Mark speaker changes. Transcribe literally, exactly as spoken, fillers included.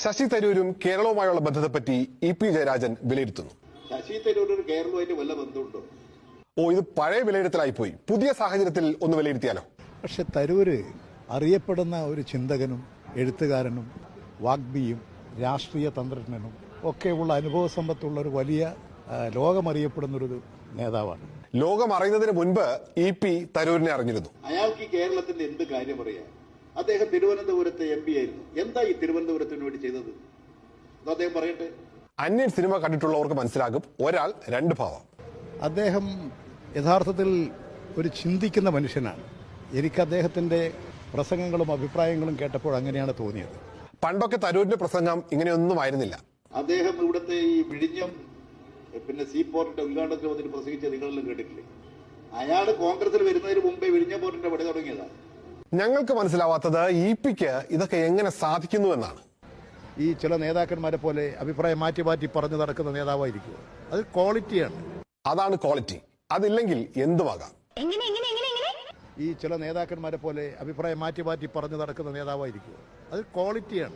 Speaker 1: ശശി തരൂരും കേരളവുമായുള്ള ബന്ധത്തെപ്പറ്റി ഇ പി ജയരാജൻ വിലയിരുത്തുന്നു.
Speaker 2: ശശി തരൂരിന് കേരളവുമായിട്ട് വല്ല ബന്ധമുണ്ടോ?
Speaker 1: ഓ, ഇത് പഴയ വിലയിരുത്തലായിപ്പോയി. പുതിയ സാഹചര്യത്തിൽ ഒന്ന് വിലയിരുത്തിയാലോ?
Speaker 3: പക്ഷെ തരൂര് അറിയപ്പെടുന്ന ഒരു ചിന്തകനും എഴുത്തുകാരനും വാഗ്മിയും രാഷ്ട്രീയ തന്ത്രജ്ഞനും ഒക്കെയുള്ള അനുഭവ സമ്പത്തുള്ള ഒരു വലിയ ലോകമറിയപ്പെടുന്നൊരു നേതാവാണ്.
Speaker 1: ലോകം അറിയുന്നതിന് മുൻപ് ഇ പി തരൂരിനെ അറിഞ്ഞിരുന്നു.
Speaker 2: അയാൾക്ക് ഈ കേരളത്തിന്റെ എന്ത് കാര്യം അറിയാം? അദ്ദേഹം തിരുവനന്തപുരത്തെ എം പി ആയിരുന്നു. എന്താ ഈ തിരുവനന്തപുരത്തിന് വേണ്ടി ചെയ്തത്? അദ്ദേഹം പറയട്ടെ.
Speaker 1: അന്യൻ സിനിമ കണ്ടിട്ടുള്ളവർക്ക് മനസ്സിലാകും, ഒരാൾ രണ്ട് ഭാവം.
Speaker 3: അദ്ദേഹം യഥാർത്ഥത്തിൽ ഒരു ചിന്തിക്കുന്ന മനുഷ്യനാണ്. എനിക്ക് അദ്ദേഹത്തിന്റെ പ്രസംഗങ്ങളും അഭിപ്രായങ്ങളും കേട്ടപ്പോൾ അങ്ങനെയാണ് തോന്നിയത്.
Speaker 1: പണ്ടൊക്കെ തരൂരിന്റെ പ്രസംഗം ഇങ്ങനെയൊന്നും ആയിരുന്നില്ല.
Speaker 2: അദ്ദേഹം ഇവിടുത്തെ ഈ വിഴിഞ്ഞം പിന്നെ സീ പോർട്ടിന്റെ ഉദ്ഘാടനത്തിൽ വന്നിട്ട് പ്രസംഗിച്ച നിങ്ങളെല്ലാം കേട്ടിട്ടില്ലേ? അയാൾ കോൺഗ്രസിൽ വരുന്നതിന് മുമ്പേ വിഴിഞ്ഞം പോർട്ടിന്റെ പണി തുടങ്ങിയതാണ്.
Speaker 1: ഞങ്ങൾക്ക് മനസ്സിലാവാത്തത് ഇ പിക്ക് ഇതൊക്കെ എങ്ങനെ സാധിക്കുന്നു എന്നാണ്.
Speaker 3: ഈ ചില നേതാക്കന്മാരെ പോലെ അഭിപ്രായം മാറ്റി മാറ്റി പറഞ്ഞു നടക്കുന്ന നേതാവായിരിക്കും. അത് ക്വാളിറ്റിയാണ്.
Speaker 1: അതാണ് ക്വാളിറ്റി. അതില്ലെങ്കിൽ എന്തുമാകാം.
Speaker 3: ഈ ചില നേതാക്കന്മാരെ പോലെ അഭിപ്രായം മാറ്റി മാറ്റി പറഞ്ഞു നടക്കുന്ന നേതാവായിരിക്കും. അത് ക്വാളിറ്റിയാണ്.